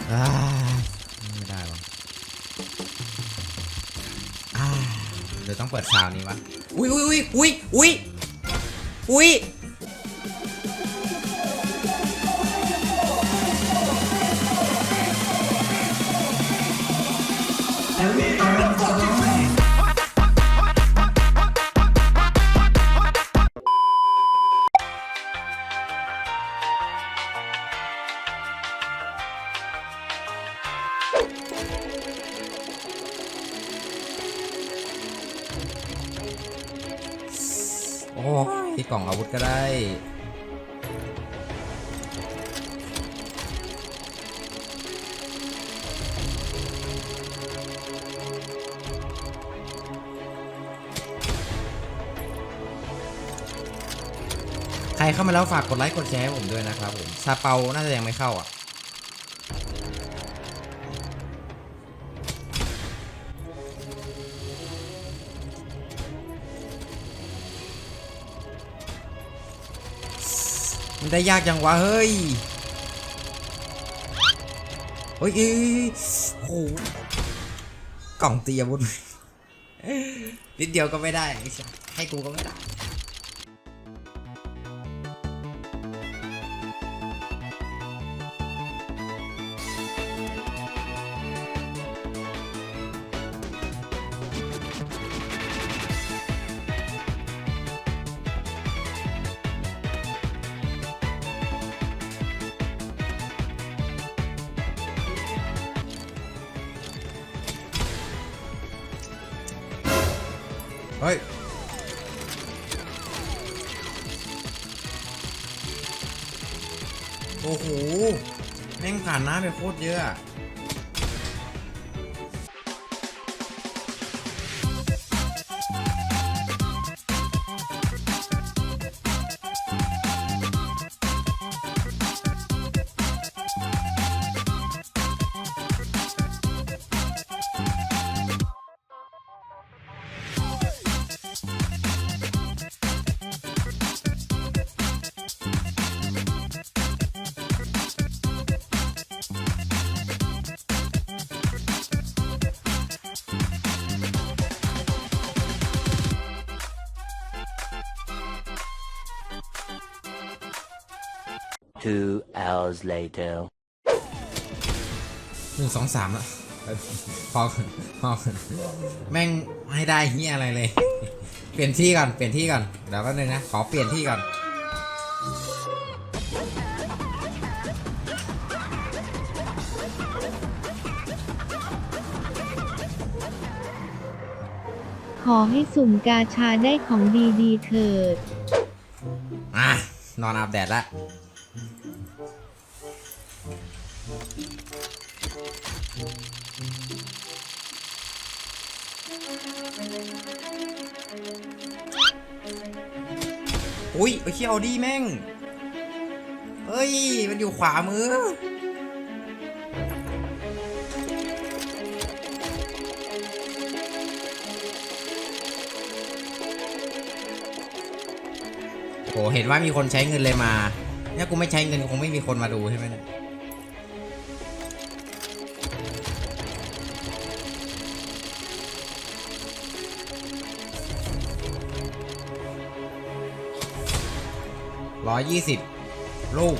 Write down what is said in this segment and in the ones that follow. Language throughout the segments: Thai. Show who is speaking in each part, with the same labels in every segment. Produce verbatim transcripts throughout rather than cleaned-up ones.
Speaker 1: ไม่ได้วะเดี๋ยวต้องเปิดซาวนี้วะอุ้ยอุ้ยอุ้ยอุ้ยอุ้ยโอ้ที่กล่องอาวุธก็ได้ใครเข้ามาแล้วฝากกดไลค์กดแชร์ให้ผมด้วยนะครับผมซาเปาน่าจะยังไม่เข้าอ่ะมันได้ยากจังวะเฮ้ยเฮ้ยโอ้โหกล่องตีอาวุธนิดเดียวก็ไม่ได้ให้กูก็ไม่ได้เฮ้ยโอ้โหแม่งผ่านน้ำไปโคตรเยอะ
Speaker 2: Two hours later
Speaker 1: หนึ่งสองสามแล้วพอพอแม่งไม่ได้เฮียอะไรเลยเปลี่ยนที่ก่อนเปลี่ยนที่ก่อนเดี๋ยวแป๊บนึงนะขอเปลี่ยนที่ก่อน
Speaker 3: ขอให้สุ่มกาชาได้ของดีๆเถิด
Speaker 1: อ่ะนอนอาบแดดละอุ้ยไอ้เขี้ยวดีแม่งเฮ้ยมันอยู่ขวามือโหเห็นว่ามีคนใช้เงินเลยมาเนี่ยกูไม่ใช้เงินคงไม่มีคนมาดูใช่ไหมเนี่ยร้อยยี่สิบลูก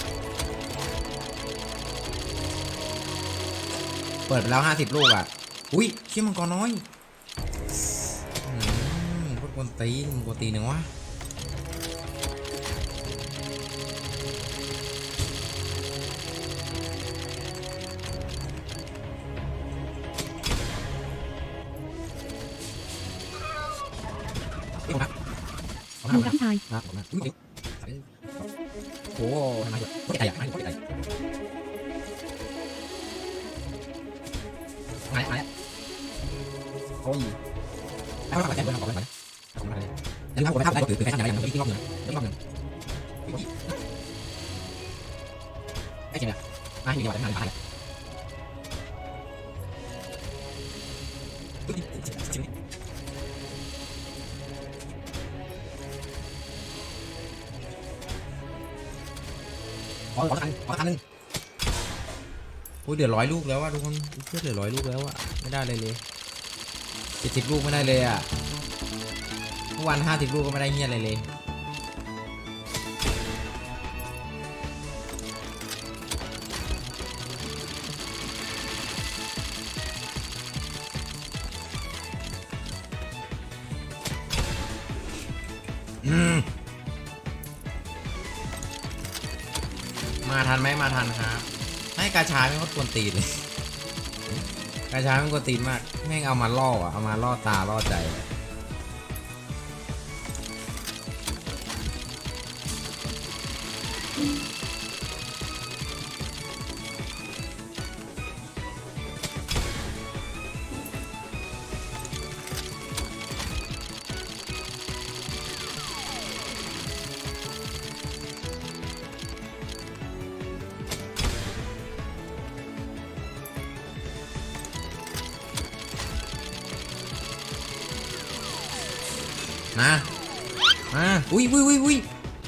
Speaker 1: เปิดไปแล้วห้าสิบลูกอ่ะอุ้ยเชี่ยมังกรน้อยอืมพวกคนตีนกวนตีนหนึ่งวะ
Speaker 3: ทำกับชาย
Speaker 1: โอ้โหทำไมเยอะโคตรใหญ่ใหญ่โคตรใหญ่มาแล้วมาแล้วโอ้ยแล้วเราไปแจ้งเพื่อนเราบอกเลยนะขอบคุณมากเลยแล้วถ้าผมไม่ทำได้ก็ถือแค่ทำอะไรอย่างนี้ที่รอบหนึ่งที่รอบหนึ่งไอ้เจ๋งเลยมาอยู่ดีกว่าจะทำอะไรขอขอทันขอทันหนึ่งอ้ยเดี๋ยวร้อยลูกแล้วว่ะทุกคนเพื่อเหลือร้อยลูกแล้วอะไม่ได้เลยเลยเจ็ดสิบลูกไม่ได้เลยอะเมื่อวันห้าสิบลูกก็ไม่ได้เงี้ยอะไรเลยอืมมาทันไหมมาทันครับให้กาชาไม่เขากวนตีนเลย กาชาไม่กวนตีนมากแม่งเอามาล่ออ่ะเอามาล่อตาล่อใจมามาอุ้ยอุ้ยอุ้ยอุ้ย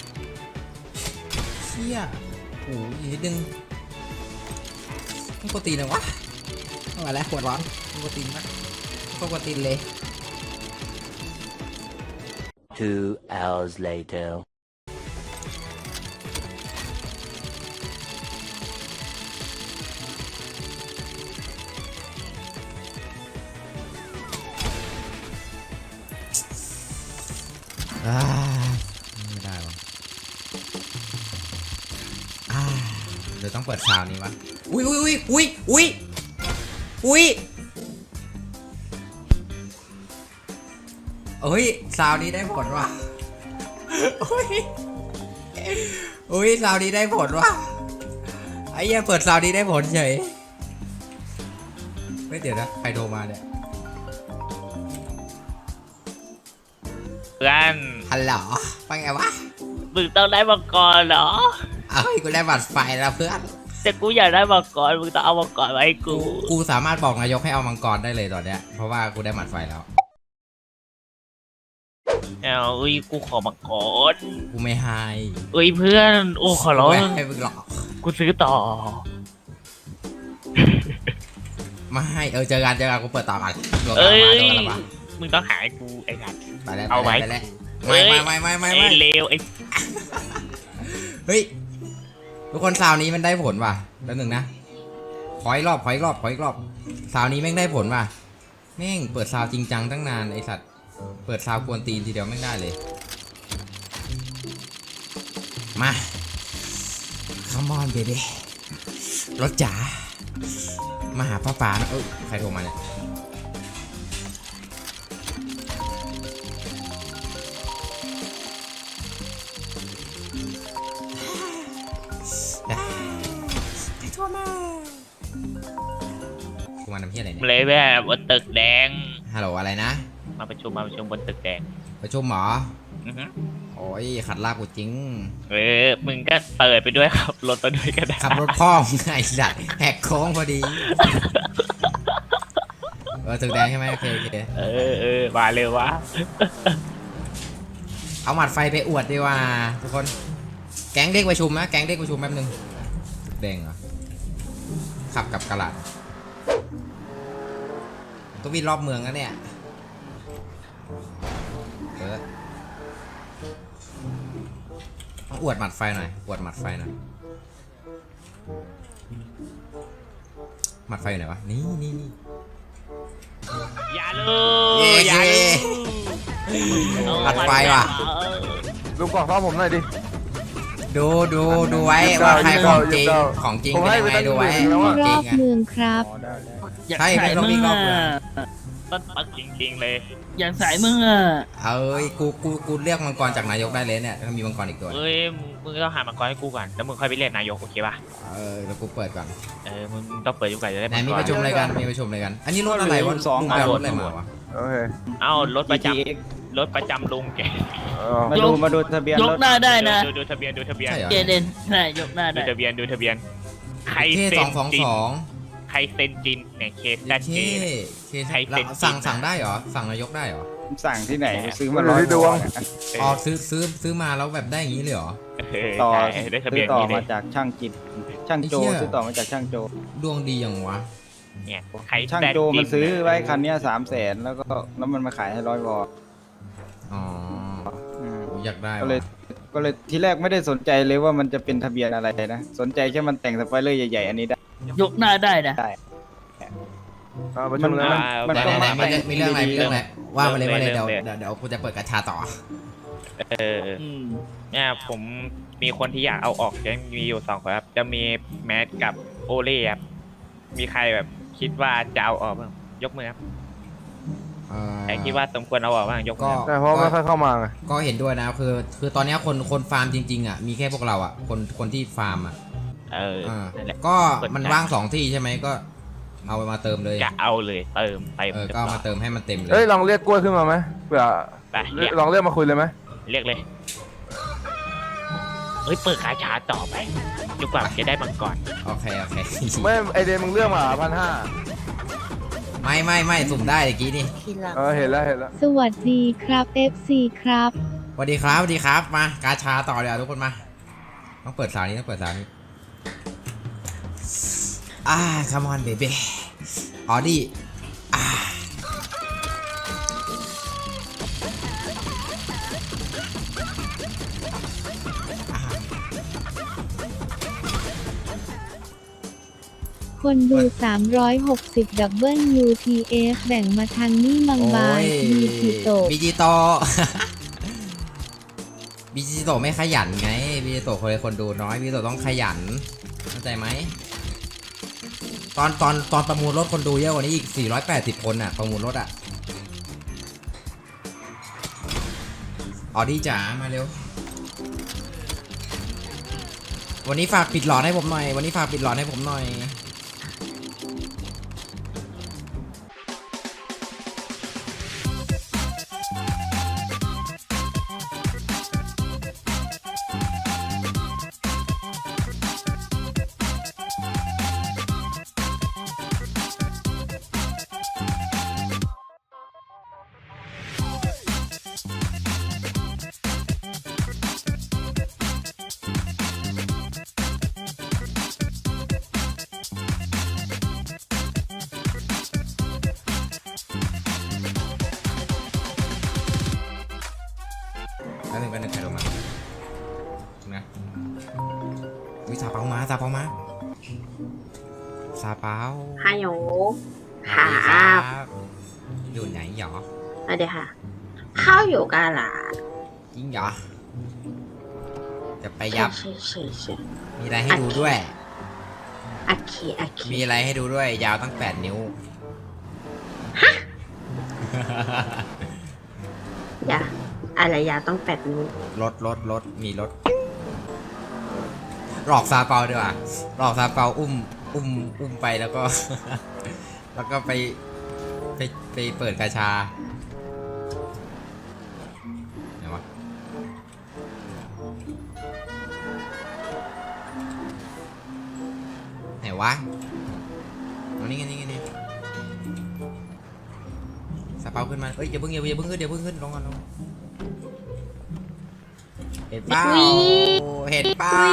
Speaker 1: เชี่ยโอ้ยนิดนึงมันกวนตีนเลยวะเอามาแล้วขวดร้อนมันกวนตีนมากก็กวนตีนเลย
Speaker 2: Two hours later.
Speaker 1: อ่าไม่ได้วะอ่าเดี๋ยวต้องเปิดซาวนี้วะอุ้ยอุ้ยอุ้ยอุ้ยอุ้ยอุ้ยเอ้ยซาวนี้ได้ผลว่ะอุ้ยอุ้ยซาวนี้ได้ผลว่ะไอ้เหี้ยเปิดซาวนี้ได้ผลเฉยไม่เดี๋ยวนะใครโทรมาเนี่ย
Speaker 4: เพื่อน
Speaker 1: ฮัลโหลไปไงวะ
Speaker 4: มึงต้องได้มังกรเหรอ
Speaker 1: เอ้ยกูได้บัตรไฟแล้วเพื่อน
Speaker 4: แต่กูอยากได้มังกรมึงต้องเอามังกรมาให้กู
Speaker 1: กูสามารถบอกนายกให้เอามังกรได้เลยตอนเนี้ยเพราะว่ากูได้บัตรไฟแล้ว
Speaker 4: เอาอุ้ยกูขอมังกร
Speaker 1: กูไม่ให้
Speaker 4: เอ้ยเพื่อนโอ้ขอร้อง
Speaker 1: ไม่ให้มึงหรอก
Speaker 4: กูซื้อต่อ
Speaker 1: ไม่ให้เออเจอกันเจอกันกูเปิดต่อกันโดน
Speaker 4: เอ้
Speaker 1: มาย โดนมา
Speaker 4: มึงต้องหาให้กูไอ้สัตว์
Speaker 1: ไปแล้ว
Speaker 4: เอาไว้
Speaker 1: ไปแล้ว
Speaker 4: เฮ้
Speaker 1: ไม่
Speaker 4: ย
Speaker 1: ไม่ไม่ไม่
Speaker 4: ไอ้
Speaker 1: ไม่
Speaker 4: เลวไอ้
Speaker 1: เฮ้ยทุกคนซาวนี้มันได้ผลว่ะแล้วหนึ่งนะขออีกรอบขออีกรอบขออีกรอบซาวนี้แม่งได้ผลว่ะแม่งเปิดซาวจริงจังตั้งนานไอสัตว์เปิดซาวกวนตีนทีเดียวแม่งได้เลยมาคัมอนเบบี้รถจ๋ามาหาป้าป๋านะเออใครโทรมาเนี่ยใครโทรมาโทรมาทำเพี้ยอะไรเนี่ย
Speaker 4: เลยแบบบนตึกแดง
Speaker 1: ฮัลโหลอะไรนะ
Speaker 4: มาประชุมมาประชุมบนตึกแดง
Speaker 1: ประชุมเหรอ
Speaker 4: อือฮึ
Speaker 1: โอ้ยขัดลาบกูจริง
Speaker 4: เออมึงก็เปิดไปด้วยครับรถไปด้วยก็ได้
Speaker 1: ขับรถพ่อมึงไอ้สัตว์แหกโค้งพอดี เออตึกแดงใช่ไหมโอเคโอเค
Speaker 4: เออเออมาเลยวะ
Speaker 1: เอาหมัดไฟไปอวดดีกว่าทุกคนแก๊งเด็กประชุมนะแก๊งเด็กประชุมแป๊บนึงตึกแดงเหรอขับกับกระดาษต้องวิ่งรอบเมืองนะเนี่ยเออต้องอวดหมัดไฟหน่อยอวดหมัดไฟหน่อยหมัดไฟอยู่ไหนวะนี่นี่นี่
Speaker 4: อย่าลู
Speaker 1: เย้
Speaker 4: อย่าลู
Speaker 1: อัดไฟว่ะ
Speaker 5: ดูกล่องซ่อมผมหน่อยดิ
Speaker 1: ดูดูดูไว้ว่าใครของจริงของจริง
Speaker 5: ผม
Speaker 1: เป็น
Speaker 5: ให้
Speaker 1: ยัง
Speaker 5: ไป
Speaker 1: ไง
Speaker 5: ตั้ง
Speaker 1: ดูไว้
Speaker 5: หมื่นแล้ว
Speaker 1: ข
Speaker 5: อะ
Speaker 1: องจ
Speaker 3: ร
Speaker 1: ริ
Speaker 3: อง บ
Speaker 1: อ่ะ
Speaker 3: เมืองครับ
Speaker 1: ใช่เป็นรอบวิ่งรอบเมืองจริง
Speaker 4: ต้นปักจริงๆเลย
Speaker 6: อยากสายมึงอ่ะ
Speaker 1: เอ้ยกูกูกูเรียกมังกรจากนายกได้เลยเนี่ยถ้ามีมังกรอีกตัว
Speaker 4: เอ้ยมึงมึงต้องหามังกรให้กูก่อนแล้วมึงค่อยไปเรียกนายกโอเคป่ะ
Speaker 1: เออแล้วกูเปิดก่อน
Speaker 4: เออมึงต้องเปิดอยู่ก่อนจะได้
Speaker 1: ไหน
Speaker 4: มัง
Speaker 1: มี
Speaker 4: ก
Speaker 1: ประชุมอะไรกันมีประชุมอะไรกัน อันนี้รถอะไรวะ
Speaker 5: สอง
Speaker 1: ลุงแปลรถอะไรมาวะ
Speaker 5: โอเค
Speaker 4: เอ้ารถประจำรถประจำลุงแก
Speaker 5: เออ
Speaker 6: มาดูมาดูทะเบียนยกหน้าได้นะ
Speaker 4: ดูดูทะเบียนดูทะเบียน
Speaker 1: ใช่เหรอ
Speaker 6: เจเดนใช่ยกหน้า
Speaker 4: ดู
Speaker 6: ได้
Speaker 4: ทะเบียนดูทะเบียนใคร
Speaker 1: เค
Speaker 4: เซ็
Speaker 1: ส
Speaker 4: น
Speaker 1: องสอง
Speaker 4: จิน
Speaker 1: สอง
Speaker 4: ใครเซ็นจินเนี่ยเคสแซด
Speaker 1: เค
Speaker 4: เจ
Speaker 1: เค
Speaker 4: ใครเซ็น
Speaker 1: แล้วสั่ง
Speaker 4: จริง
Speaker 1: สั่งได้เหรอสั่งนายกได้เหรอ
Speaker 6: สั่งที่ไหนไปซื้อ
Speaker 5: มั
Speaker 6: มาน
Speaker 5: อยู่
Speaker 6: ร้อย
Speaker 5: ที่ดวง
Speaker 1: อ๋อซื้อซื้อซื้อมาแล้วแบบได้อย่างนี้เลยเหรอ
Speaker 4: เออ
Speaker 6: ต่อ
Speaker 4: ได้ได้ทะเบี
Speaker 6: ซื้
Speaker 4: ย
Speaker 6: อน ต่อ
Speaker 4: นี้เล
Speaker 6: มาย จากช่างจิตช่างโจ
Speaker 1: ไอ้เหี้ย
Speaker 6: ซื้อต่อมาจากช่างโจ
Speaker 1: ดวงดีอย่างวะ
Speaker 4: เนี่ยใคร
Speaker 6: ช่าง
Speaker 4: ได้
Speaker 6: โจมันซื้อไว้
Speaker 4: จิ้
Speaker 6: คันเนี้สามแสนแล้วก็แล้วมันมาขายให้ร้อยวอล
Speaker 1: อ๋อ
Speaker 6: อืม
Speaker 1: อยากได้
Speaker 6: ก็เลย
Speaker 1: ว่ะ
Speaker 6: ก็เลยทีแรกไม่ได้สนใจเลยว่ามันจะเป็นทะเบียนอะไรนะสนใจแค่มันแต่งสปอยเลอร์ใหญ่ๆอันนี้ได้
Speaker 7: ยกหน้าได้นะ
Speaker 6: ได้
Speaker 5: เอาประชุมเลย
Speaker 6: มั
Speaker 5: นะ
Speaker 6: มัน
Speaker 1: ไหน
Speaker 6: ต้อง
Speaker 1: ไหน
Speaker 6: มา
Speaker 1: ไหนมีเรื่องมีเรื่องอะไรมีเรื่องอะไรว่ามาเลยว่าเลย
Speaker 4: เริ่
Speaker 1: เดี๋ยว
Speaker 4: มเลย
Speaker 1: เดี๋ยวเดี๋ยวกูจะเปิดกระชาต่อ
Speaker 4: เออ
Speaker 7: อืม
Speaker 4: เนี่ยผมมีคนที่อยากเอาออกยังมีอยู่สองคนครับ จะมีแมทกับโอเล่ครับมีใครแบบคิดว่าจะเอาออกบ้างยกมือครับ
Speaker 1: เอ่อ
Speaker 4: ใครคิดว่าสมควรเอาออกบ้างยกมื
Speaker 1: ก็
Speaker 4: อครับ
Speaker 5: แต่เพราะไม่ค่อยเข้ามาไง
Speaker 1: ก็เห็นด้วยนะคือคือตอนเนี้ยคนคนฟาร์มจริงๆอ่ะมีแค่พวกเราอ่ะคนคนที่ฟาร์มอ่ะ
Speaker 4: เออ
Speaker 1: อ่า
Speaker 4: นั่นแหละ
Speaker 1: ก็
Speaker 4: เปิด
Speaker 1: มัน
Speaker 4: ใจ
Speaker 1: ว่างสองที่ใช่ไหมก็เอามาเติมเลย
Speaker 4: จะเอาเลยเติมเต็ม
Speaker 1: เออก็เอามาเติมให้มันเต็มเล
Speaker 5: เอ้ย
Speaker 1: ย
Speaker 5: ลองเรียกกล้วยขึ้นมาไหมเผื่อ
Speaker 4: ไปเรียก
Speaker 5: ลองเรียกมาคุยเลยไหม
Speaker 4: เรียกเลยเฮ้ยเปิดกาชาต่อไปจนกว่าจะได้มังกร
Speaker 1: โอเคโอเค
Speaker 5: ไม่ไอเดนมึงเลือกมาพันห้า
Speaker 1: ไม่ไม่ไม่สุ่มได้เมื่อกี้นี่
Speaker 5: เออเห็นแล้วเห็นแล้ว
Speaker 3: สวัสดีครับ เอฟ ซี ครับ
Speaker 1: สวัสดีครับสวัสดีครับมากาชาต่อเลยอ่ะทุกคนมาต้องเปิดสาวนี้ต้องเปิดสาวนี้อ่า come on baby ออดี้อ่า
Speaker 3: คนดู สามร้อยหกสิบ ดับเบิล ยู ที เอฟ แบ่งมาทางนี่บางบายมีกี่โตะ
Speaker 1: บิจิโต บิจิโตไม่ขยันไงบิจิโตคนเลยคนดูน้อยบิจิโตต้องขยันเข้าใจไหมตอนตอนตอนประมูลรถคนดูเยอะกว่านี้อีกสี่ร้อยแปดสิบคนอ่ะประมูลรถอ่ะออดี้จ๋ามาเร็ววันนี้ฝากปิดหลอดให้ผมหน่อยวันนี้ฝากปิดหลอดให้ผมหน่อยแล้วหนึ่งก็หนึ่งใครลงมานะวิซาเปามาซาเปามาซาเปา
Speaker 8: ฮัลโหล
Speaker 1: สวัสดี
Speaker 8: ครับ
Speaker 1: อยู่ไหนหรอ
Speaker 8: สวัสดีค่ะ เข้าอยู่กันล่ะ
Speaker 1: จริงเหรอจะไปยับ
Speaker 8: ใช่ใช่ใช่
Speaker 1: มีอะไรให้ดูด้วย
Speaker 8: โอเคโอเค
Speaker 1: มีอะไรให้ดูด้วย ยาวตั้งแปดนิ้ว
Speaker 8: อย่าอะไรยาต้องแปดนิ้ว
Speaker 1: รถรถรถมีรถหลอกซาเปาดีกว่าหลอกซาเปาอุ้มอุ้มอุ้มไปแล้วก็ แล้วก็ไปไปไปเปิดกาชาไหนวะไหนวะเอานี่ไงนี่ไงนี่ซาเปาขึ้นมาเอ้ยอย่าเพิ่งอย่าอย่าเพิ่งขึ้นอย่าเพิ่งขึ้นลงก่อนลงเห็นเปล่าเห็นเปล่า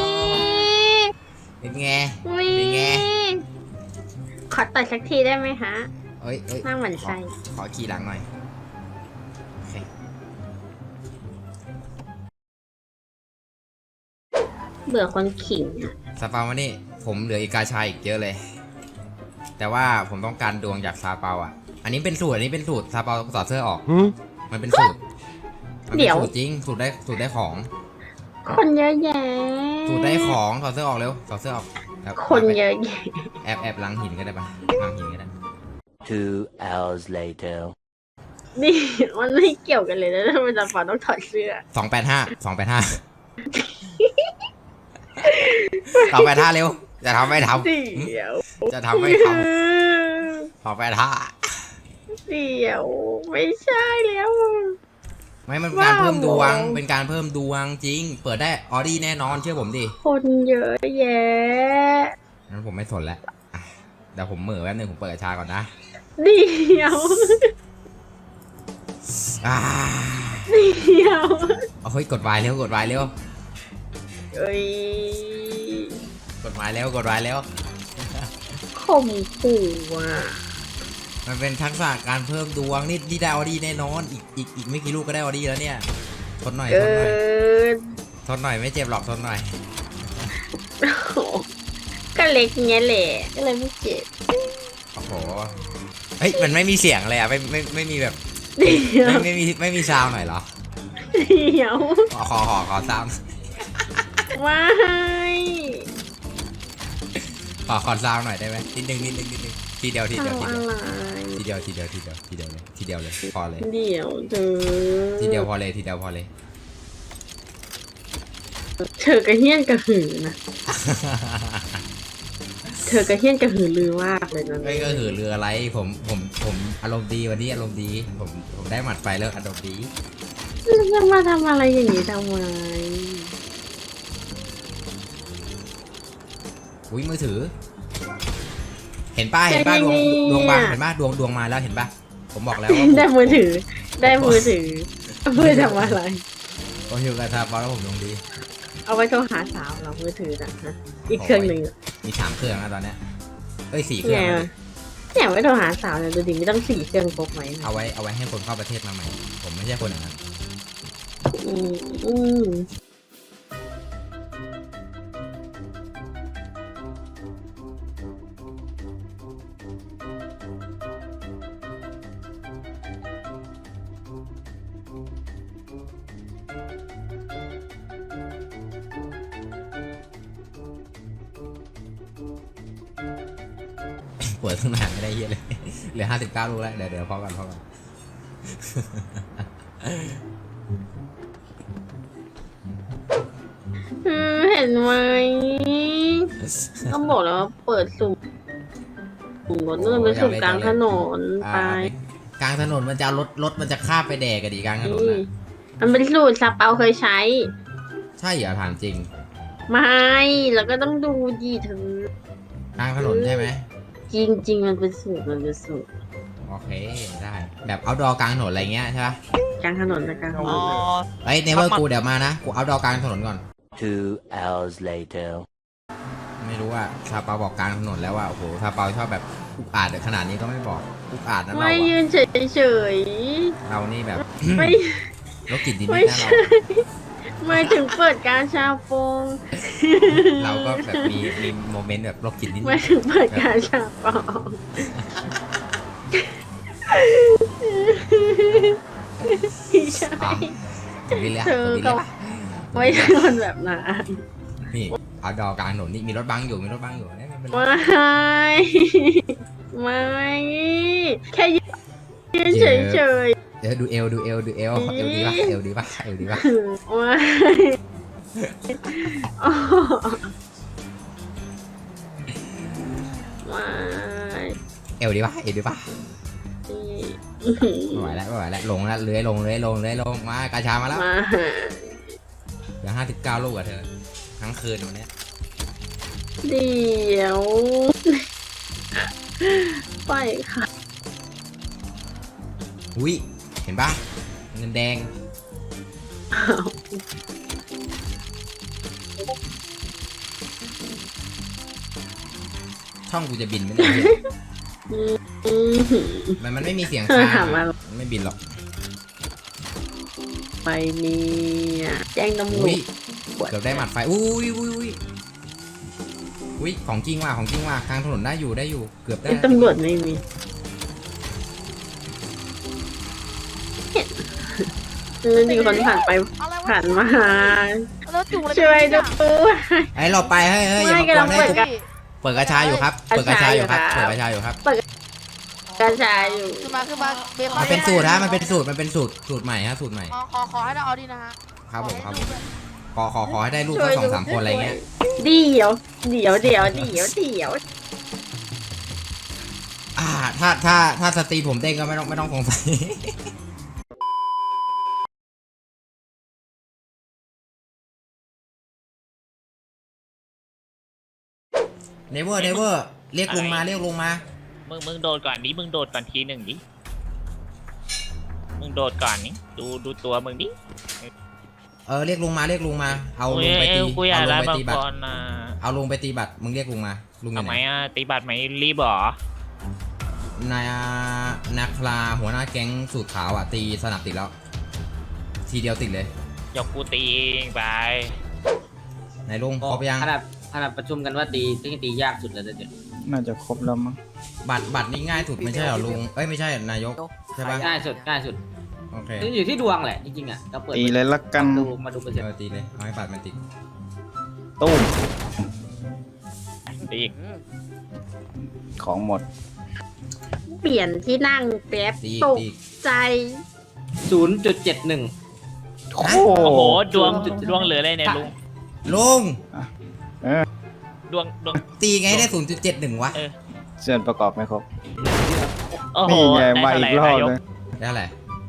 Speaker 1: เป็นไง
Speaker 8: วิ
Speaker 1: เป็นไง
Speaker 8: ขอต่อยสักทีได้ไหมฮะ
Speaker 1: เอ้ยเอ้ย
Speaker 8: นั่งเหมือน
Speaker 1: ขอ
Speaker 8: ไส้
Speaker 1: ขอขี่หลังหน่อยโอเค
Speaker 8: เบื่อคนขิงอะ
Speaker 1: ซาเปามานี่ผมเหลืออีกกาชายอีกเยอะเลย แต่ว่าผมต้องการดวงจากซาเปาอ่ะ อันนี้เป็นสูตรอันนี้เป็นสูตรซาเปาถอดเสื้อออก มันเป็นสูตรมันเป็นสูตรจริงสูตรได้สูตรได้ของ
Speaker 8: คนเยอะแยะ
Speaker 1: สูตรได้ของถอดเสื้อออกเร็วถอดเสื้อออกแล้ว
Speaker 8: คนเยอะแยะ
Speaker 1: แอบแอบหลังหินก็ได้ปะหลังหินก็ได้
Speaker 2: Two hours later.
Speaker 8: นี่มันไม่เกี่ยวกันเลยนะทำไมจำปาต้องถอดเสื้อ
Speaker 1: สองแปดห้าสองแปดห้าสองแปดห้าเร็วจะทำไม่ท
Speaker 8: เดี๋ยว
Speaker 1: ำจะทำไม่ทำสองแปดห้า
Speaker 8: เดี๋ยวไม่ใช่แล้ว
Speaker 1: ไม่มันเป็นการเพิ่มดวง
Speaker 8: ว้าว
Speaker 1: เป็นการเพิ่มดวงจริง เปิดได้ออดี้แน่นอนเชื่อผมดิ
Speaker 8: คนเยอะแยะ
Speaker 1: งั้นผมไม่สนแล้วอ่ะเดี๋ยวผมเหม่อแป๊บนึงผมเปิดกระชาก่อนนะ
Speaker 8: เดี๋ยว
Speaker 1: อ่า
Speaker 8: เดี๋ยว
Speaker 1: เอาเฮ้ยกดวายเร็วกดวายเร็ว
Speaker 8: เอ้ย
Speaker 1: กฎหมายแล้วกฎหมายแล้ว
Speaker 8: ข่มขู่อ่ะ
Speaker 1: มันเป็นทักษะการเพิ่มดวงนี่นี่ได้ออดี้แน่นอนอีกอีกอีกไม่กี่ลูกก็ได้ออดี้แล้วเนี่ยทนหน่อย
Speaker 8: เกิ
Speaker 1: ทนหน่อย
Speaker 8: น
Speaker 1: ทนหน่อยไม่เจ็บหรอกทนหน่อย
Speaker 8: โอ้โหก็เล็กเงี้ยแหละก็เลยไม่เจ็บ
Speaker 1: โอ้โหเฮ้ยมันไม่มีเสียงเลยอ่ะไม่ไม่ไม่มีแบบ
Speaker 8: เดี๋ยว
Speaker 1: ไม่ไม่มีไม่มีซาวหน่อยเหรอ
Speaker 8: เดี๋ยว
Speaker 1: ขอขอขอขอซาว
Speaker 8: ว้าย
Speaker 1: ขอขอซาวหน่อยได้ไหมนิดนึงนิดนึงนิดนึงทีเดียวทีเดียว
Speaker 8: ทำ
Speaker 1: ที
Speaker 8: อะ
Speaker 1: เดียว
Speaker 8: ไร
Speaker 1: ทีเดียวทีเดียวทีเดียวทีเดียวเลยทีเดียวเลยพอเลย
Speaker 8: เดี๋ยวเธอ
Speaker 1: ทีเดียวพอเลยทีเดียวพอเลย
Speaker 8: เธอกระเฮี้ยนกระหือนะ เธอกระเฮี้ยนกระหือลือมากเลยนะ
Speaker 1: ไม่ก็คือเรืออะไรผมผมผมอารมณ์ดีวันนี้อารมณ์ดีผมผมได้หมัดไฟแล้วอารมณ์ดี
Speaker 8: จะมาทำอะไรอย่างนี้ทำไม
Speaker 1: อุ้ยมือถือ เห็นป้าเห็นป้าดวงดวงบางเห็นป้าดวงดวงมาแล้วเห็นป้าผมบอกแล้วว่าผม
Speaker 8: ได้มือถือ ได้มือถือเพื่อทำอะไร
Speaker 1: ผมอยู่กับทาบอลแล้วผมดวงดี
Speaker 8: เอาไว้โทรหาสาวเรามือถือนะฮะอีกเครื่องหนึ่งอะ
Speaker 1: มีสามเครื่องแล้วตอนเนี้ยเอ้ยสี่เครื่อ
Speaker 8: เนี่
Speaker 1: ง
Speaker 8: ย
Speaker 1: แล้วดิ
Speaker 8: เนี่ยไว้โทรหาสาวเนี่ยดูดิไม่ต้องสี่เครื่องพกไหมนะ
Speaker 1: เอาไว้เอาไว้ให้คนเข้าประเทศมาใหม่ ผมไม่ใช่คนอย่างนั้น
Speaker 8: อืมอืม
Speaker 1: ปวดทั้งหน้าไม่ได้เยอะเลย เหลือห้าสิบเก้าลูกแล้วเดี๋ยวเดี๋ยวพอกันพอกัน
Speaker 8: อืมเห็นไหมก็บอกแล้วว่าเปิดสุ่มสุ่มรถนู่นไปสุ่มกลางถนน
Speaker 1: อ่า
Speaker 8: ไป
Speaker 1: กลางถนนมันจะเอารถรถมันจะข้ามไปแดกกันดีกลางถนน
Speaker 8: นี่
Speaker 1: นะ
Speaker 8: มันเป็นสูตรซาเปาเคยใช้
Speaker 1: ใช่เหรอถามจริง
Speaker 8: ไม่แล้วก็ต้องดูดีเธอก
Speaker 1: ลางถนนใช่ไหม
Speaker 8: จริงจริงๆมันเป็นสูตรมันเป็นสูตร
Speaker 1: โอเคได้แบบเอาดอกลางถนนอะไรเงี้ยใช่ปะ
Speaker 8: กลางถนนนะกลางถนน
Speaker 1: เอ้ยเนเวอร์กูเดี๋ยวมานะกูเอาดอกลางถนนก่อน
Speaker 2: Two hours later.
Speaker 1: ไม่รู้ว่าซาเปาบอกกลางถนนแล้วว่าโอ้โหซาเปาชอบแบบอุกอาจขนาดนี้ก็ไม่บอกอุกอาจนะเรา
Speaker 8: ไม่
Speaker 1: อะ
Speaker 8: ยืนเฉยเฉย
Speaker 1: เรานี่แบบ
Speaker 8: ๆไม่
Speaker 1: รถกินดิน
Speaker 8: ไม่
Speaker 1: นิดนะเรา
Speaker 8: ใช่ไม่ถึงเปิดการชาโปง
Speaker 1: เราก็แบบมีมีโมเมนต์แบบรถกินนิด
Speaker 8: ไม่ถึงเปิดการชาโปงไม่ใช่
Speaker 1: อ๋อถึงนี่เลย
Speaker 8: เธอ
Speaker 1: ถึงนี่
Speaker 8: ก็
Speaker 1: เลยปะ
Speaker 8: ไม่ใช่คนแบบนั้น
Speaker 1: นี่เอาดอกลางถนนนี่มีรถบังอยู่มีรถบังอยู่เนี่ยไม่เป็นไร
Speaker 8: ไม่ไม่แค่ยืนเฉยเฉย
Speaker 1: เดี๋ยวดูเอลดูเอลดูเอลเอลดีปะเอลดีปะเอลดีปะ
Speaker 8: ๆไม่อ๋อไม่
Speaker 1: เอลดีปะเอลดีปะไม่ไหวแล้วไม่ไหวแล้วลงแล้วเลื้อยลงเลื้อยลงเลื้อยลงมากระชามาแล้ว
Speaker 8: มา
Speaker 1: เหลือห้าสิบเก้าลูกอะเธอทั้งคืนวันเนี้ย
Speaker 8: เดี๋ยวไปค่ะ
Speaker 1: อุ้ยเห็นปะเงินแดง
Speaker 8: อ้าว
Speaker 1: ช่องกูจะบินไหมเนี่ย
Speaker 8: อืม
Speaker 1: มันมันไม่มีเสียง
Speaker 8: เธอ
Speaker 1: ค้าง
Speaker 8: ถามอะไร
Speaker 1: มันไม่บินหรอก
Speaker 8: ไปเนี่ยแจ้งตำรว
Speaker 1: อุ้ย
Speaker 8: จ
Speaker 1: เกือบได้หมัดไฟอุ้ยอุ้ยอุ้ยอุ้ยของจริงว่ะของจริงว่ะกลางถนนได้อยู่ได้อยู่เกือบได้
Speaker 8: ไอ้ตำรวจไม่มีเออมีคนผ่านไป
Speaker 7: อะไรวะ
Speaker 8: ผ่านมา
Speaker 7: แล้วจุ่มอะไร
Speaker 8: ช่วยดู
Speaker 1: ไอ้เราไปเฮ้ยเฮ้ยอย่ามากวน
Speaker 8: ไม่
Speaker 1: ให้
Speaker 8: กำลังเปิด
Speaker 1: ทุกเปิดกระชายอยู่ครับเปิดกระชายอยู่ครับ
Speaker 8: ก
Speaker 1: เปิด
Speaker 8: ระชายอยู่
Speaker 1: กระชายอยู่ครับ
Speaker 8: กระชายอยู่
Speaker 7: ขึ้นมาขึ้นมาเบคอน
Speaker 1: มันเป็นสูตรฮะมันเป็นสูตรมันเป็นสูตรสูตรใหม่ฮะสูตรใหม่
Speaker 7: ขอขอขอให้ได้เอาดีนะฮะ
Speaker 1: ครับผมครับผมขอขอขอให้ได้ลูกสักสองสามคนอะไรเงี้ย
Speaker 8: เดี๋ยว เดี๋ยวเดี๋ยวเดี๋ยวเดี๋ยว
Speaker 1: อ่าถ้าถ้าถ้าสตรีผมเด้งก็ไม่ต้องไม่ต้องสงสัย เนเวอร์เนเวอร์เรียกลุงมาเรียกลุงมา
Speaker 4: มึงมึงโดดก่อนดิมึงโดดก่อนทีหนึ่งดิมึงโดดก่อนนี่ดูดูตัวมึงดิ
Speaker 1: เออเรียกลุงมาเรียกลุงมา เอา
Speaker 4: โอ้
Speaker 1: ลุ
Speaker 4: ย
Speaker 1: งไปตี
Speaker 4: กูอยา
Speaker 1: เอา
Speaker 4: ก
Speaker 1: ลุ
Speaker 4: ได้
Speaker 1: งไป
Speaker 4: มัง
Speaker 1: ตี
Speaker 4: ก
Speaker 1: บัตร
Speaker 4: รนะ
Speaker 1: เอาลุงไปตีบัตรมึงเรียกลุงมาลุงอยู่
Speaker 4: ทำ
Speaker 1: ไห
Speaker 4: ไม
Speaker 1: น
Speaker 4: อ่ะตีบัตรไหมรีบเหรอ
Speaker 1: นายนาคลาหัวหน้าแก๊งสูตรขาวอ่ะตีสนับติดแล้ว ทีเดียวติดเลย
Speaker 4: เดี๋ยวกูตีเองไป
Speaker 1: ไหนลุงครบยัง
Speaker 9: ขนาดขนาดประชุมกันว่าตีตีตียากสุดเลยเดี๋ยว
Speaker 6: น่าจะครบแล้วมั้ง
Speaker 1: บัตรบัตรนี่ง่ายสุดไม่ใช่เหรอลุงเอ้ยไม่ใช่นายกใช่ปะ
Speaker 9: ง่ายสุดง่ายสุด
Speaker 1: โอเค
Speaker 9: คืออยู่ที่ดวงแหละจริงๆอ่ะเราเปิด
Speaker 6: ตีเลยละกัน
Speaker 9: ดูมาดูเปอร์เซ็น
Speaker 1: เอ
Speaker 9: ต์
Speaker 1: อตีเลยเอาให้บัตรมันติด
Speaker 6: ตุ้ม
Speaker 4: ตีอีก
Speaker 6: ของหมด
Speaker 8: เปลี่ยนที่นั่งแป๊บ
Speaker 1: ตีอีก
Speaker 8: ตก
Speaker 1: ตีอีก
Speaker 8: ใจ
Speaker 9: ศูนย์จุดเจ็ดหนึ่ง
Speaker 6: โอ้
Speaker 4: โอ้โหดวง
Speaker 9: จุด
Speaker 4: ดวงเหลืออะไรเนี่ยลุง
Speaker 1: ลุง
Speaker 6: เออ
Speaker 4: ดวงดวง
Speaker 1: ตีไงได้ศูนย์จุดเจ็ดหนึ่งวะ
Speaker 4: เออ
Speaker 6: ส่วนประกอบไม่ครบ
Speaker 4: โอ้โห
Speaker 6: นี่ไง
Speaker 4: ได้
Speaker 6: มา
Speaker 4: เท่า
Speaker 6: อี
Speaker 4: ไหร่
Speaker 6: กรอบ
Speaker 4: นายก
Speaker 6: เลย
Speaker 1: ได้เท่าไหร่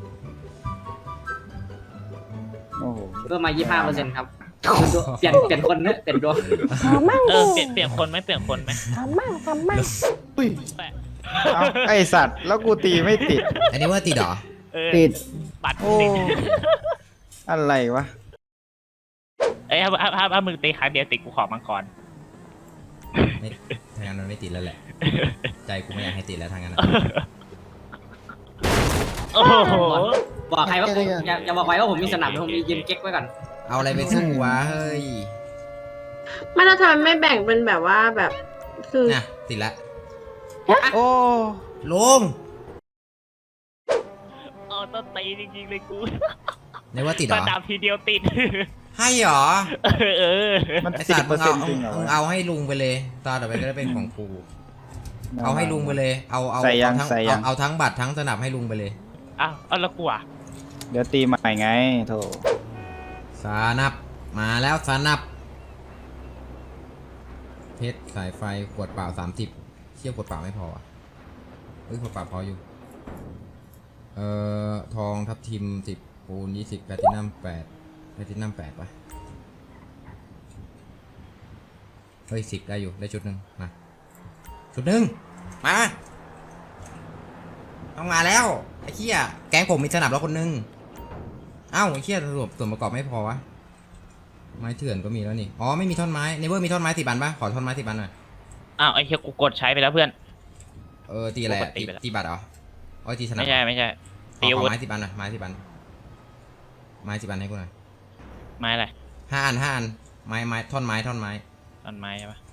Speaker 6: โอ้โห
Speaker 9: เพิ่มมายี่สิบห้าเปอร์เซ็นต์ครับเปลี่ยนเปลี่ยนคนเนอะเปลี่ยนดวง
Speaker 4: เออเปลี่ยนเปลี่ยนคนไหมเปลี่ยนคนไหม
Speaker 6: อุ้ยเอาไอสัตว์แล้วกูตีไม่ติด
Speaker 1: อันนี้ว่าติดเหรอ
Speaker 4: เออ
Speaker 6: ติด
Speaker 4: บัตร
Speaker 6: โอ้
Speaker 4: ติด
Speaker 6: อะไรวะ
Speaker 4: เอ้ยถ้าถ้าถ้าถ้ามึงตีครั้งเดียวติดกูขอมังกร
Speaker 1: ไม่ทางนั้นมันไม่ติดแล้วแหละ ใจกูไม่อยากให้ติดแล้วทางนั้นอะ
Speaker 4: โอ้โห
Speaker 9: บอกใครว่าผมอย่าอย่าบอกใครว่าผมมีสนับผมมียืนเก๊กไว้ก่อน
Speaker 1: เอาอะไรไปสู้วะเฮ้ย
Speaker 8: ไม่แล้วทำไมไม่แบ่งเป็นแบบว่าแบบ คือ
Speaker 1: น่ะติดละ
Speaker 6: โอ้
Speaker 1: ลุง
Speaker 4: เออต้นตีจริงๆเลยกู
Speaker 1: ในว่าติดเห
Speaker 4: ส
Speaker 1: รอ
Speaker 4: นามทีเดียวติด
Speaker 1: ให้เหรอ
Speaker 4: เออเออ
Speaker 6: มัน
Speaker 1: ไอ
Speaker 6: สิ
Speaker 1: สั
Speaker 6: บ
Speaker 1: ตว์
Speaker 6: เป
Speaker 1: มึ
Speaker 6: อร์
Speaker 1: ง
Speaker 6: เซ็
Speaker 1: เอา
Speaker 6: นต์จริงเหรอ
Speaker 1: มึง
Speaker 6: วะ
Speaker 1: เอาให้ลุงไปเลยตาต่อไปก็ได้เป็นของกูเอาให้ลุงไปเลย เอาเอา
Speaker 6: ใส่ยัง
Speaker 1: เอาทั้ง
Speaker 6: ใส่ยั
Speaker 1: เอา
Speaker 6: ง
Speaker 1: เอาทั้งบัตรทั้งสนับให้ลุงไปเลย
Speaker 4: อ้าวเอาแล้วกูอ่ะ
Speaker 6: เดี๋ยวตีใหม่ไงโถ
Speaker 1: สนับมาแล้วสนับเพชรสายไฟขวดเปล่าสามสิบเชี่ยวขวดเปล่าไม่พออ่ะเอ้ยขวดเปล่าพออยู่เอ่อทองทับทิมสิบปูนยี่สิบแพลตินัมแปดแพลตินัมแปดปะเฮ้ยสิบได้อยู่ได้ชุดหนึ่งมาชุดหนึ่งมาต้องมาแล้วไอ้เหี้ยแก๊งผมมีสนับแล้วคนหนึงเอ้าไอ้เหี้ยส่วนส่วนประกอบไม่พอวะไม้เถื่อนก็มีแล้วนี่อ๋อไม่มีท่อนไม้เนเวอร์มีท่อนไม้สิบอันปะขอท่อนไม้สิบอันหน่อย
Speaker 4: อ้าวไอ้เหี้ยกูกดใช้ไปแล้วเพื่อน
Speaker 1: เออตีอะไร
Speaker 4: ปก
Speaker 1: อะ
Speaker 4: ติ
Speaker 1: ตี
Speaker 4: ไปแล้ว
Speaker 1: ตีบัตรเหรออ๋อตีสนับ
Speaker 4: ไม่ใช่ไม่ใช่
Speaker 1: ข
Speaker 4: ตี
Speaker 1: อ
Speaker 4: อา
Speaker 1: ขอ
Speaker 4: วุธ
Speaker 1: ไม้สิบอันหน่อยไม้สิบอันไม้สิบอันให้กูหน่อย
Speaker 4: ไม้อะไร
Speaker 1: ห้าอันห้าอันไม้ไม้ท่อนไม้ท่อนไม้
Speaker 4: ต้นไม้ใช่ปะ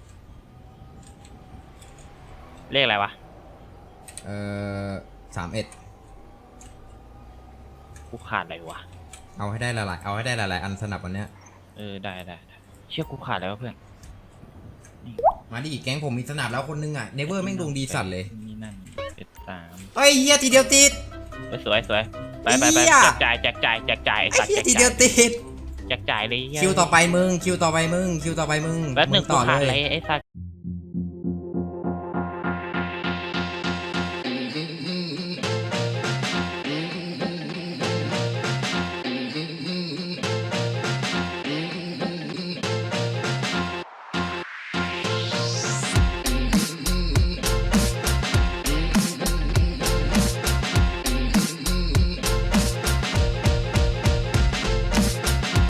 Speaker 4: เลขอะไรวะ
Speaker 1: เออสามเอ็ด
Speaker 4: กูขาดอะไรวะ
Speaker 1: เอาให้ได้หลายๆเอาให้ได้หลายๆอันสนับวันเนี้ย
Speaker 4: เออได้ได้ได้เชื่อกูขาดอะไรวะเพื่อน
Speaker 1: มาดิแก๊งผมมีสนับแล้วคนนึงอ่ะเนเวอร์แม่งดวงดีสัตว์เลย
Speaker 4: นี่นั่นเจ็ดสาม
Speaker 1: เฮ้ยเฮียทีเดียวติด
Speaker 4: เออสวยสวยไปไปไป
Speaker 1: เหี้ย
Speaker 4: แจกจ่ายแจกจ่ายแจกจ่ายไอ้สัตว์
Speaker 1: เฮีย
Speaker 4: แจก
Speaker 1: ทีเดี
Speaker 4: จ่า
Speaker 1: ยวติด
Speaker 4: แจกจ่ายเลยเหี้ย
Speaker 1: คิวต่อไปมึงคิวต่อไปมึงคิวต่อไปมึง
Speaker 4: แป๊บหนึง
Speaker 1: มึ
Speaker 4: กู
Speaker 1: ต่อ
Speaker 4: ขาด
Speaker 1: เล
Speaker 4: อะไร
Speaker 1: ย
Speaker 4: ไอ้สัตว์